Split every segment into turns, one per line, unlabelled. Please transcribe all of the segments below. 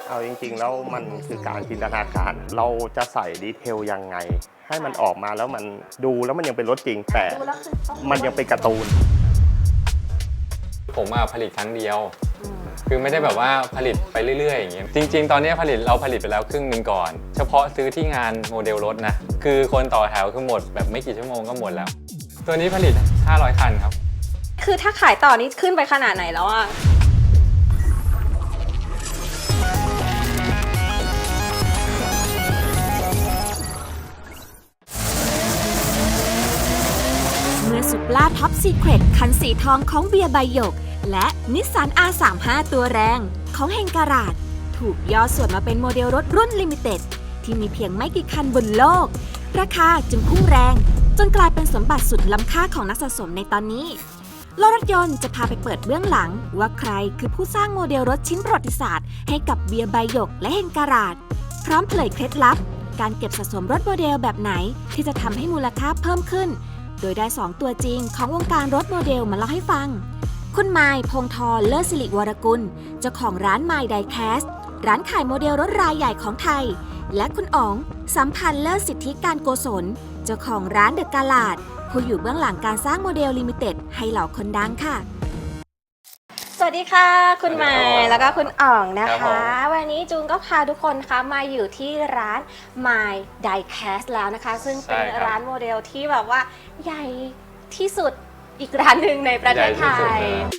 เอาจริงๆแล้วมันคือการจินตนาการเราจะใส่ดีเทลยังไงให้มันออกมาแล้วมันดูแล้วมันยังเป็นรถจริงแต่มันยังเป็นการ์ตูน
ผมผลิตครั้งเดียวคือไม่ได้แบบว่าผลิตไปเรื่อยๆอย่างเงี้ยจริงๆตอนนี้เราผลิตไปแล้วครึ่งหนึ่งก่อนเฉพาะซื้อที่งานโมเดลรถนะคือคนต่อแถวคือหมดแบบไม่กี่ชั่วโมงก็หมดแล้วตัวนี้ผลิต500คันครับ
คือถ้าขายต่อนี้ขึ้นไปขนาดไหนแล้วอะ
เมื่อสุปราท็อปซีเครตคันสีทองของเบียร์ใบหยกและนิสสัน R35 ตัวแรงของเฮงการาดถูกย่อส่วนมาเป็นโมเดลรถรุ่นลิมิเต็ดที่มีเพียงไม่กี่คันบนโลกราคาจึงพุ่งแรงจนกลายเป็นสมบัติสุดล้ำค่าของนักสะสมในตอนนี้โลกรถยนต์จะพาไปเปิดเบื้องหลังว่าใครคือผู้สร้างโมเดลรถชิ้นประวัติศาสตร์ให้กับเบียร์ใบหยกและเฮงการาดพร้อมเผยเคล็ดลับการเก็บสะสมรถโมเดลแบบไหนที่จะทำให้มูลค่าเพิ่มขึ้นโดยได้ 2 ตัวจริงของวงการรถโมเดลมาเล่าให้ฟังคุณไมค์พงษ์ธร เลิศสิริวรกุลเจ้าของร้านไมค์ไดแคสร้านขายโมเดลรถรายใหญ่ของไทยและคุณอ๋องสัมพันธ์เลิศสิทธิการโกศลเจ้าของร้านเดอะกาลาดผู้อยู่เบื้องหลังการสร้างโมเดลลิมิเต็ดให้เหล่าคนดังค่ะ
สวัสดีค่ะคุณไมค์แล้วก็คุณอ๋องนะคะวันนี้จูนก็พาทุกคนคะมาอยู่ที่ร้าน My Diecast แล้วนะคะซึ่งเป็นร้านโมเดลที่แบบว่าใหญ่ที่สุดอีกร้านหนึ่งในประเทศไทย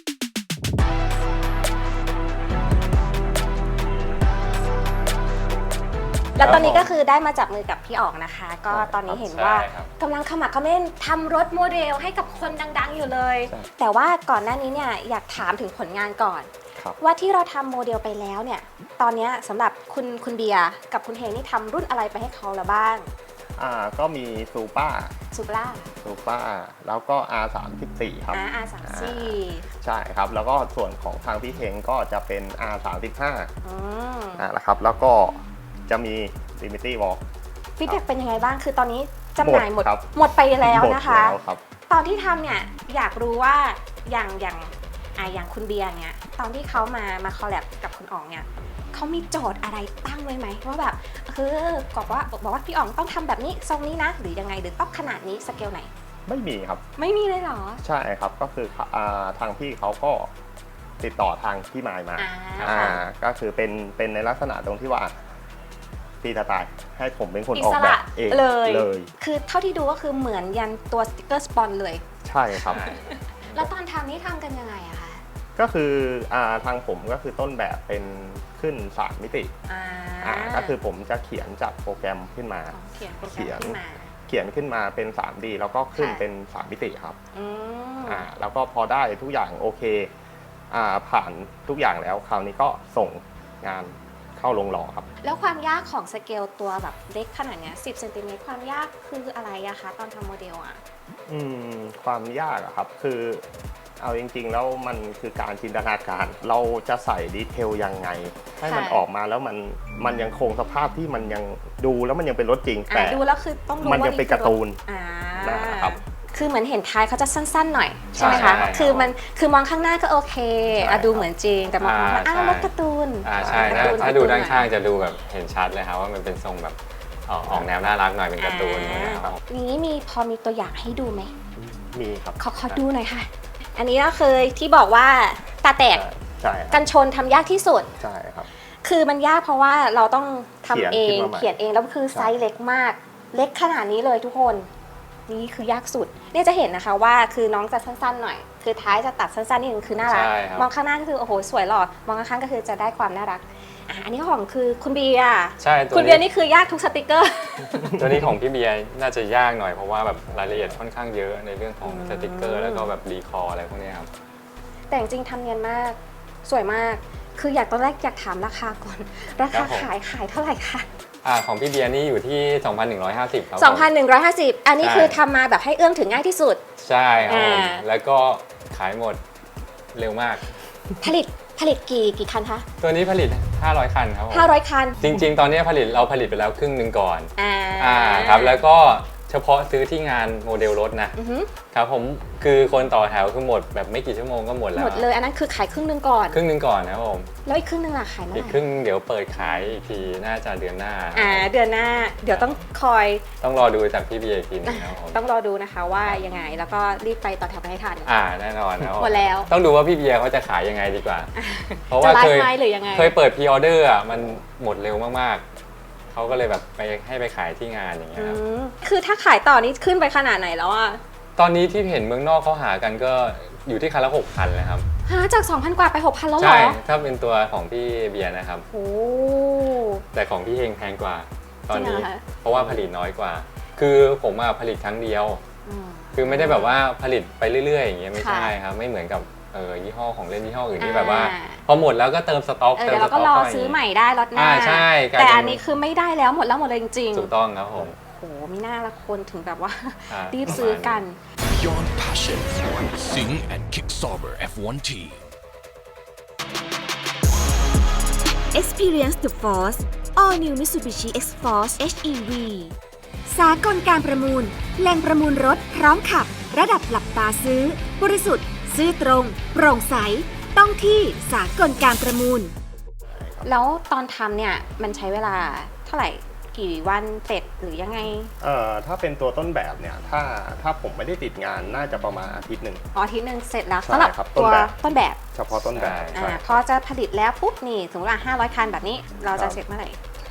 แล้วตอนนี้ก็คือได้มาจับมือกับพี่อ๋องนะคะก็ตอนนี้เห็นว่ากำลังขมักเขม้นทำรถโมเดลให้กับคนดังๆอยู่เลยแต่ว่าก่อนหน้านี้เนี่ยอยากถามถึงผลงานก่อนว่าที่เราทำโมเดลไปแล้วเนี่ยตอนนี้สำหรับคุณเบียร์กับคุณเฮงนี่ทำรุ่นอะไรไปให้เขาแล้วบ้าง
ก็มีซูเปอร์แล้วก็ R34 ครับ
R34
ใช่ครับแล้วก็ส่วนของทางพี่เฮงก็จะเป็น R35 นะครับแล้วก็จะมี Liberty Walk
ฟีดแบ็กเป็นยังไงบ้างคือตอนนี้จำหน่ายหมดไปแล้วนะคะตอนที่ทำเนี่ยอยากรู้ว่าอย่างคุณเบียร์เนี่ยตอนที่เขามาคอลแลบกับคุณอ๋องเนี่ยเขามีโจทย์อะไรตั้งไว้ไหมว่าแบบบอกว่าพี่อ๋องต้องทำแบบนี้ทรงนี้นะหรือยังไงหรือต้องขนาดนี้สเกลไหน
ไม่มีครับ
ไม่มีเลยเหรอ
ใช่ครับก็คือทางพี่เขาก็ติดต่อทางพี่มายมาก็คือเป็นในลักษณะตรงที่ว่าตีตายให้ผมเป็นคนออกแบบเองเลย
คือเท่าที่ดูก็คือเหมือนยันตัวสติ๊กเกอร์สปอนเลย
ใช่ครับ
แล้วตอนทำนี่ทำกันยังไงอะคะ
ก็คือทางผมก็คือต้นแบบเป็นขึ้น3มิติก็คือผมจะเขียนจากโปรแกรมขึ้นมาเขียนขึ้นมาเป็น 3D แล้วก็ขึ้นเป็น3มิติครับแล้วก็พอได้ทุกอย่างโอเคผ่านทุกอย่างแล้วคราวนี้ก็ส่งงานเข้าลงหล่อครับ
แล้วความยากของสเกลตัวแบบเล็กขนาดนี้10 เซนติเมตรความยากคืออะไรอะคะตอนทำโมเดล
ความยากอะครับคือเอาจริงๆแล้วมันคือการจินตนาการเราจะใส่ดีเทลยังไงให้มันออกมาแล้วมันยังคงสภาพที่มันยังดูแล้วมันยังเป็นรถจริงแต่
ดูแล้วคือต้องดู
มันยังเป็นการ์ตูนนะครับ
คือเหมือนเห็นท้ายเขาจะสั้นๆหน่อยใช่ไหมคะคือมองข้างหน้าก็โอเคดูเหมือนจริงแต่มองข้างหน้ารถการ์ตูน
ใช่ถ้าดูด้านข้างจะดูแบบเห็นชัดเลยครับว่ามันเป็นทรงแบบออกแนวน่ารักหน่อยเป็นการ์ตูน
นี้พอมีตัวอย่างให้ดูไหม
มีครับ
ขอดูหน่อยค่ะอันนี้ก็คือที่บอกว่าตาแตกกันชนทำยากที่สุด
ใช่ครับ
คือมันยากเพราะว่าเราต้องทำเองเขียนเองแล้วคือไซส์เล็กมากเล็กขนาดนี้เลยทุกคนนี่คือยากสุดเนี่ยจะเห็นนะคะว่าคือน้องจะสั้นๆหน่อยคือท้ายจะตัดสั้นๆนิดนึงคือน่ารักมองข้างหน้าก็คือโอ้โหสวยหล่อมองข้างๆก็คือจะได้ความน่ารักอันนี้ของคือคุณเบียร์
ใช่
คุณเบียร์นี่คือยากทุกสติกเกอร์
ตัวนี้ของพี่เบียร์น่าจะยากหน่อยเพราะว่าแบบรายละเอียดค่อนข้างเยอะในเรื่องของสติกเกอร์แล้วก็แบบรีคอร์อะไรพวกนี้ครับ
แต่จริงๆทำเนียนมากสวยมากคือตอนแรกอยากถามราคาก่อนราคาขายเท่าไหร่คะ
ของพี่เบียร์นี่อยู่ที่ 2,150 ครับ
2,150 อันนี้คือทำมาแบบให้เอื้อมถึงง่ายที่สุด
ใช่ครับแล้วก็ขายหมดเร็วมาก
ผลิตกี่คันคะ
ตัวนี้ผลิต500คันครับ
500คัน
จริงๆตอนนี้เราผลิตไปแล้วครึ่งหนึ่งก่อนครับแล้วก็เฉพาะซื้อที่งานโมเดลรถนะครับผมคือคนต่อแถวคือหมดแบบไม่กี่ชั่วโมงก็หมดแล้ว
หมดเลยอันนั้นคือขายครึ่งนึงก่อน
นะครับผม
แล้วอีกครึ่งนึงล่ะขายเมื่อไหร่
อีกครึ่งเดี๋ยวเปิดขายอีกทีน่าจะเดือนหน้า
เดือนหน้าเดี๋ยวต้อง
รอดูจากพี่เบียร์อีกทีนึงครับผม
ต้องรอดูนะคะว่ายังไงแล้วก็รีบไปต่อแถวไปให้ทัน
แน่นอนนะ
หมดแล้ว
ต้องดูว่าพี่เบียร์เขาจะขายยังไงดีกว่าเพราะว่าเคยเปิดพรีออเดอร์มันหมดเร็วมากๆเขาก็เลยแบบไปให้ไปขายที่งานอย่างเงี้ยครับ
คือถ้าขายต่อนี่ขึ้นไปขนาดไหนแล้วอะ
ตอนนี้ที่เห็นเมืองนอกเขาหากันก็อยู่ที่คันละ 6,000 เลยครับ
จาก 2,000 กว่าไป 6,000 แล้วเหรอ
ใช่ถ้าเป็นตัวของพี่เบียร์นะครับ
โอ้
แต่ของพี่เฮงแพงกว่าตอนนี้เพราะว่าผลิตน้อยกว่าคือผมผลิตครั้งเดียวคือไม่ได้แบบว่าผลิตไปเรื่อยๆอย่างเงี้ยไม่ใช่ครับไม่เหมือนกับยี่ห้อของเล่นยี่ห้ออื่นที่แบบว่าพอหมดแล้วก็เติมสต็อก
เดี๋ยวเราก็รอซื้อใหม่ได้รถหน้า
ใช่
แต่อันนี้คือไม่ได้แล้วหมดเลยจริง
ๆถูกต้องครับผม
โอ้มีหน้าละคนถึงแบบว่ารีบซื้อกัน
Beyond Passion Sing and Kick Sauber F1 Team
Experience the Force All New Mitsubishi X-Force HEV สากลการประมูลแหล่งประมูลรถพร้อมขับระดับหลับตาซื้อบริสุทธิ์ซื่อตรงโปร่งใสต้องที่สากลการประมูล
แล้วตอนทำเนี่ยมันใช้เวลาเท่าไหร่กี่วันเสร็จหรือยังไง
ถ้าเป็นตัวต้นแบบเนี่ยถ้าผมไม่ได้ติดงานน่าจะประมาณอาทิตย์หนึ่ง
อาทิตย์หนึ่งเสร็จแล้วสำหรับตัวต้นแบบ
เฉพาะต้นแบบ
พอจะผลิตแล้วปุ๊บนี่สมมติว่า500 คันแบบนี้เราจะเสร็จเมื่อไหร่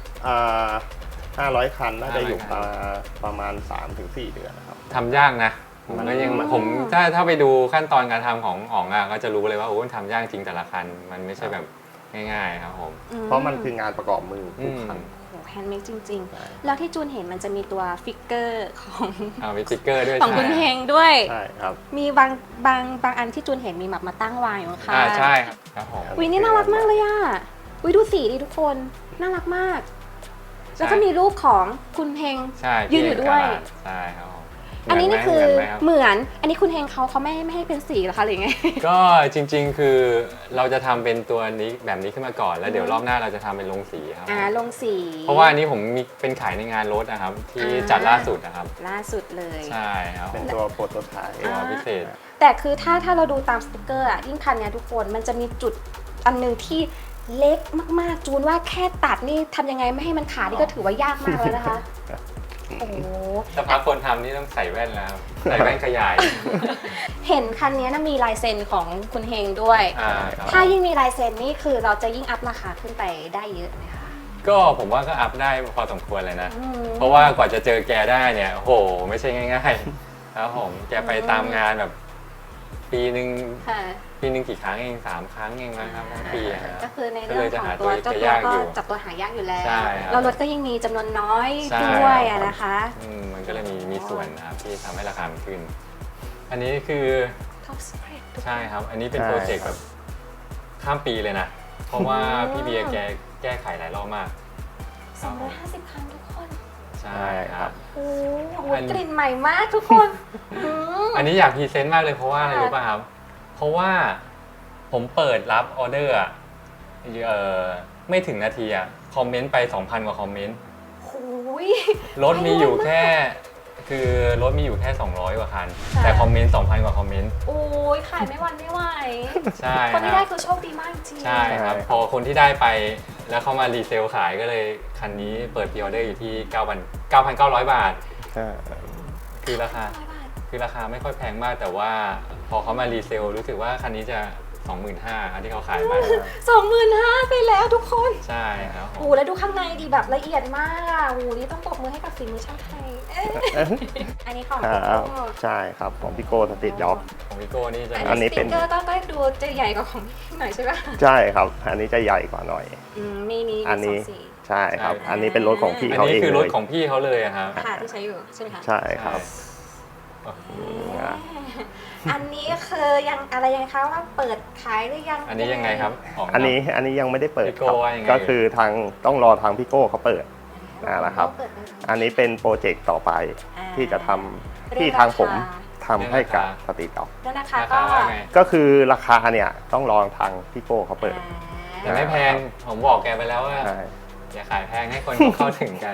500 คันน่าจะอยู่ประมาณ 3-4 เดือนนะครับ
ทำยากนะผมถ้าไปดูขั้นตอนการทำของอ๋องก็จะรู้เลยว่าโอ้ทำยากจริงแต่ละคันมันไม่ใช่แบบง่ายๆครับผม
เพราะมันคืองานประกอบมือทุกคัน
แฮนด์เมดจริงๆแล้วที่จูนเห็นมันจะมีตัวฟิกเกอร์ของ
มีฟิกเกอร์ด้วย
ของคุณเฮงด้วย
ใช่ครับ
มีบางอันที่จูนเห็นมีแบบมาตั้งวางอยู่ค่ะ
ใช่ครับผม
วินี่น่ารักมากเลยวิดูสีดิทุกคนน่ารักมากแล้วก็มีรูปของคุณเฮงยืนอยู่ด้วย
ใช่ครับ
อันนี้นี่คือเหมือนอันนี้คุณเฮงเขาไม่ให้เป็นสีหรอคะหรือไง
ก็จริงๆคือเราจะทำเป็นตัวนี้แบบนี้ขึ้นมาก่อนแล้วเดี๋ยวรอบหน้าเราจะทำเป็นลงสีครับ
ลงสี
เพราะว่าอันนี้ผมมีเป็นขายในงานรถนะครับที่จัดล่าสุดนะครับ
ล่าสุดเลย
ใช่ครับ
เป็นตัวโปรโตไทป์
พิเศษ
แต่คือถ้าเราดูตามสติ๊กเกอร์ยิ่งคันนี้ทุกคนมันจะมีจุดอันนึงที่เล็กมากๆจูนว่าแค่ตัดนี่ทำยังไงไม่ให้มันขาดนี่ก็ถือว่ายากมากแล้วนะคะโอ้
ถ้าพักคนทำนี่ต้องใส่แว่นแล้วใส่แว่นขยาย
เห็นคันนี้มีลายเซ็นของคุณเฮงด้วยถ้ายิ่งมีลายเซ็นนี่คือเราจะยิ่งอัพราคาขึ้นไปได้เยอะไหมคะ
ก็ผมว่าก็อัพได้พอสมควรเลยนะเพราะว่ากว่าจะเจอแกได้เนี่ยโหไม่ใช่ง่ายๆครับผมแกไปตามงานแบบปีหนึ่งกี่ครั้งเอง3 ครั้งเองนะครับทั้งปี
ก็คือในเรื่องของตัวเจ้าตัวก็จับตัวหายากอยู่แล้วแล้วรถก็ยังมีจำนวนน้อยด้วยนะคะ
มันก็เลยมีส่วนนะครับที่ทำให้ราคามันขึ้นอันนี้คือใช่ครับอันนี้เป็นโปรเจกต์แบบข้ามปีเลยนะเพราะว่าพี่เบียร์แกแก้ไขหลายรอบมาก
250 คันทุกคน
ใช่ครับ
โอ้โหกลิ่นใหม่มากทุกคน
อันนี้อยากพรีเซนต์มากเลยเพราะว่าอะไรรู้ป่ะครับเพราะว่าผมเปิดรับออเดอร์ไม่ถึงนาทีคอมเมนต์ไป 2,000 กว่าคอมเมนต์รถมีอยู่แค่คือรถมีอยู่แค่200 กว่าคันแต่คอมเมนต์ 2,000 กว่าคอมเมนต์
โอ้ยขายไม่วันไม่ไหว
ใช่
คนที่ได้คือโชคดีมากจริง
ใช่ครับพอคนที่ได้ไปแล้วเขามารีเซลขายก็เลยคันนี้เปิดพรีออเดอร์อยู่ที่ 9,900 บาทคือราคาไม่ค่อยแพงมากแต่ว่าพอเขามารีเซลรู้สึกว่าคันนี้จะ 25,000 อันที่เขาขายไป
25,000 ไปแล้วทุกคน
ใช่ครับ
โอ้แล้วดูข้างในดีแบบละเอียดมากโอ้นี่ต้องปรบมือให้กับฝีมือช่างไทยอันนี้ของพี่โก้
ใช่ครับของพี่โก้สติดจ็อบ
ของพี่โก้นี่จะ
อันนี้เป็นก็ดูจะใหญ่กว่าของพี่หน่อยใช่ไหม
ใช่ครับอันนี้จะใหญ่กว่าหน่อย
มี
อันนี้ใช่ครับอันนี้เป็นรถของพี่เขาเอง
อันนี้คือรถของพี่เขาเลยครับ
ค่ะที่ใช้อยู่ใช่ไหมคะ
ใช่ครับ
อันนี้คือยังอะไรยังคะว่าเปิดขายหรือยัง
อันนี้ยังไงครับ
อันนี้ยังไม่ได้เปิดครับก็คือต้องรอทางพี่โก้เขาเปิดนะครับอันนี้เป็นโปรเจกต์ต่อไปที่จะทำที่ทางผมทำให้กับสติด็อกก็คือราคาเนี่ยต้องรอทางพี่โก้เขาเปิด
แต่ไม่แพงผมบอกแกไปแล้วว่าอย่าขายแพงให้คนเข้าถึงกัน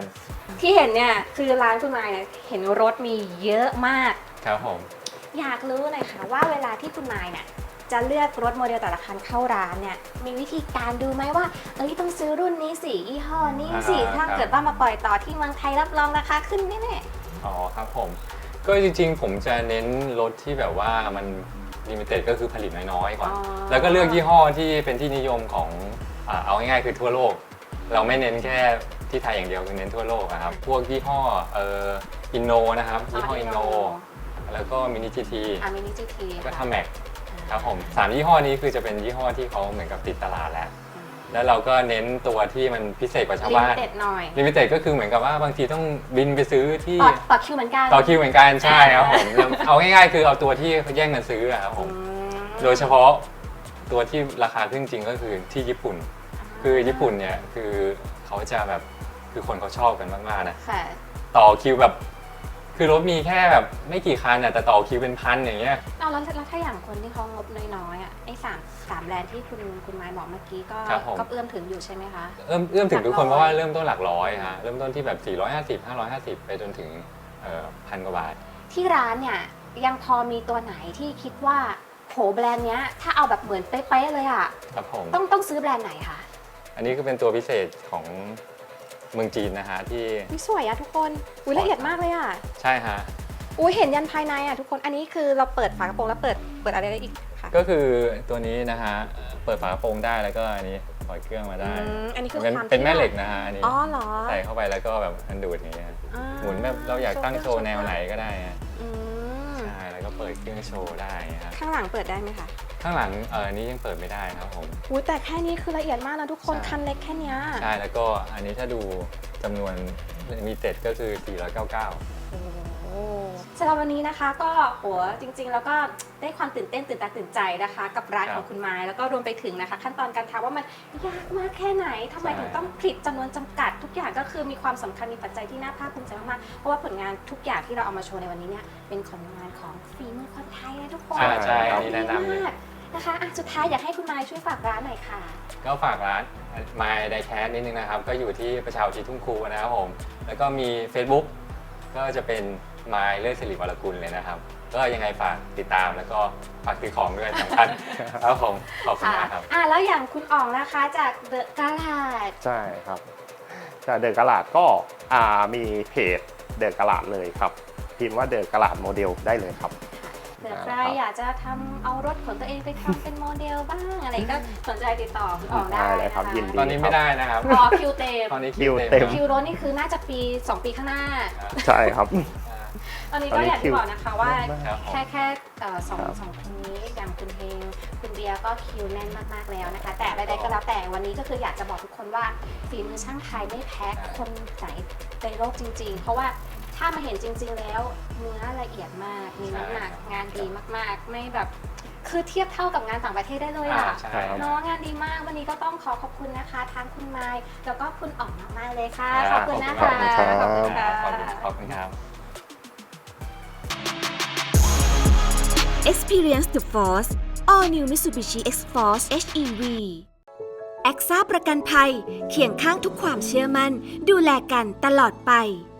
ที่เห็นเนี่ยคือร้านคุณมายเนี่ยเห็นรถมีเยอะมาก
ครับผม
อยากรู้หน่อยค่ะว่าเวลาที่คุณมายเนี่ยจะเลือกรถโมเดลแต่ละคันเข้าร้านเนี่ยมีวิธีการดูไหมว่าต้องซื้อรุ่นนี้สิยี่ห้อนี้สิถ้าเกิดว่ามาปล่อยต่อที่เมืองไทยรับรองราคาขึ้นแน่ๆ
อ๋อครับผมก็จริงๆผมจะเน้นรถที่แบบว่ามันลิมิเต็ดก็คือผลิตน้อยๆก่อน แล้วก็เลือกยี่ห้อที่เป็นที่นิยมของเอาง่ายๆคือทั่วโลก เราไม่เน้นแค่ที่ไทยอย่างเดียวคือเน้นทั่วโลกนะครับพวกยี่ห้ออินโนนะครับยี่ห้ออินโนแล้วก็มินิจีที
มินิจีที
ก็ทำแม็กครับผม3ยี่ห้อนี้คือจะเป็นยี่ห้อที่เขาเหมือนกับติดตลาดแล้วเราก็เน้นตัวที่มันพิเศษกว่าชาวบ้าน
ลิมิเต็ดหน่อย
ลิมิเต็ดก็คือเหมือนกับว่าบางทีต้องบินไปซื้อที่
ต่อคิวเหมือนกัน
ต่อคิวเหมือนกันใช่ครับผมเอาง่ายๆคือเอาตัวที่เขาแย่งกันซื้อครับผมโดยเฉพาะตัวที่ราคาขึ้นจริงก็คือที่ญี่ปุ่น คือญี่ปุ่นเนี่ยคือเขาจะแบบคือคนเขาชอบกันมากๆนะต่อคิวแบบคือรถมีแค่แบบไม่กี่คันแต่ต่อคิวเป็นพันอย่างเงี้ย
แล้วถ้าอย่างคนที่เขางบน้อยๆไอ้สามแบรนด์ที่คุณมายบอกเมื่อกี้ก็เอื้อมถึงอยู่ใช่ไหมคะ
เอื้อมถึงทุกคนเพราะว่าเริ่มต้นหลักร้อยฮะเริ่มต้นที่แบบ450 550ไปจนถึงพันกว่าบาท
ที่ร้านเนี่ยยังพอมีตัวไหนที่คิดว่าโหแบรนด์เนี้ยถ้าเอาแบบเหมือนเป๊ะๆเลยอ่ะ
ครับผม
ต้องซื้อแบรนด์ไหนคะ
อันนี้ก็เป็นตัวพิเศษของเมืองจีนนะฮะที่
สวยอะทุกคนละเอียดมากเลยอะ
ใช่ฮะ
เห็นยันภายในอะทุกคนอันนี้คือเราเปิดฝากระโปรงแล้วเปิดอะไรได้อีกคะ
ก็คือตัวนี้นะฮะเปิดฝากระโปรงได้แล้วก็อันนี้ปล่อยเครื่องมาได้
อันนี้คือความ
เป็นแม่เหล็กนะฮะอันนี้
เหรอ
ใส่เข้าไปแล้วก็แบบมันดูดอย่างเงี้ยหมุนแบบเราอยากตั้งโชว์แนวไหนก็ได้ใช่แล้วก็เปิดเครื่องโชว์ได้ครับ
ข้างหลังเปิดได้ไหมคะ
ข้างหลังอันนี้ยังเปิดไม่ได้ครับผม
แต่แค่นี้คือละเอียดมากนะทุกคนคันเล็กแค่นี้
ใช่แล้วก็อันนี้ถ้าดูจำนวนมีเต็ดก็คือ499
สำหรับวันนี้นะคะก็จริงๆแล้วก็ได้ความตื่นเต้นตื่นตาตื่นใจนะคะกับร้านของคุณมายแล้วก็รวมไปถึงนะคะขั้นตอนการทำว่ามันยากมากแค่ไหนทำไมถึงต้องผลิตจำนวนจำกัดทุกอย่างก็คือมีความสำคัญมีปัจจัยที่น่าภาคภูมิใจมากๆเพราะว่าผลงานทุกอย่างที่เราเอามาโชว์ในวันนี้เนี่ยเป็นผลงานของฝีมือคนไทยนะทุกคน
ใช่อันนี้แนะนำเลย
นะคะสุดท้ายอยากให้คุณมายช่วยฝากร้านหน่อยค่ะ
ก็ฝากร้าน My Diecast นิดนึงนะครับก็อยู่ที่ประชาอุทิศทุ่งครูนะครับผมแล้วก็มี Facebook ก็จะเป็นมายเลิศศิริวรกุลเลยนะครับก็ยังไงฝากติดตามแล้วก็ฝากซื้อของด้วยสำคัญครับผมขอบคุณมากครับ
แล้วอย่างคุณอ๋องนะคะจากเดอะกาลาด
ใช่ครับจากเดอะกาลาดก็มีเพจเดอะกาลาดเลยครับพิมพ์ว่าเดอะกาลาดโมเดลได้เลยครับ
เผื่อใครอยากจะทำเอารถของตัวเองไปทำเป็นโมเดลบ้างอะไรก็สนใจติดต่อคุณอ๋องได้
เลยครับยินดี
ตอนนี้ไม่ได้นะครับ
คิวเต็ม
ตอนนี้คิวเต็ม
คิวรถนี่คือน่าจะ2 ปีข้างหน้า
ใช่ครับ
ตอนนี้ก็อยากที่บอกนะคะว่าแค่สองคนนี้อย่างคุณเฮงคุณเบียร์ก็คิวแน่นมากๆแล้วนะคะแต่ใดๆก็แล้วแต่วันนี้ก็คืออยากจะบอกทุกคนว่าฝีมือช่างไทยไม่แพ้คนไหนในโลกจริงๆเพราะว่าถ้ามาเห็นจริงๆแล้วเนื้อละเอียดมากมีน้ำหนักงานดีมากๆไม่แบบคือเทียบเท่ากับงานต่างประเทศได้เลยเนาะงานดีมากวันนี้ก็ต้องขอบคุณนะคะทั้งคุณไมค์แล้วก็คุณอ๋องมากๆเลยค่ะขอบคุณนะคะ
ขอบคุณค่ะขอบคุณครับ
Experience the Force All New Mitsubishi X-Force HEV แอ็กซ่าประกันภัยเคียงข้างทุกความเชื่อมั่นดูแลกันตลอดไป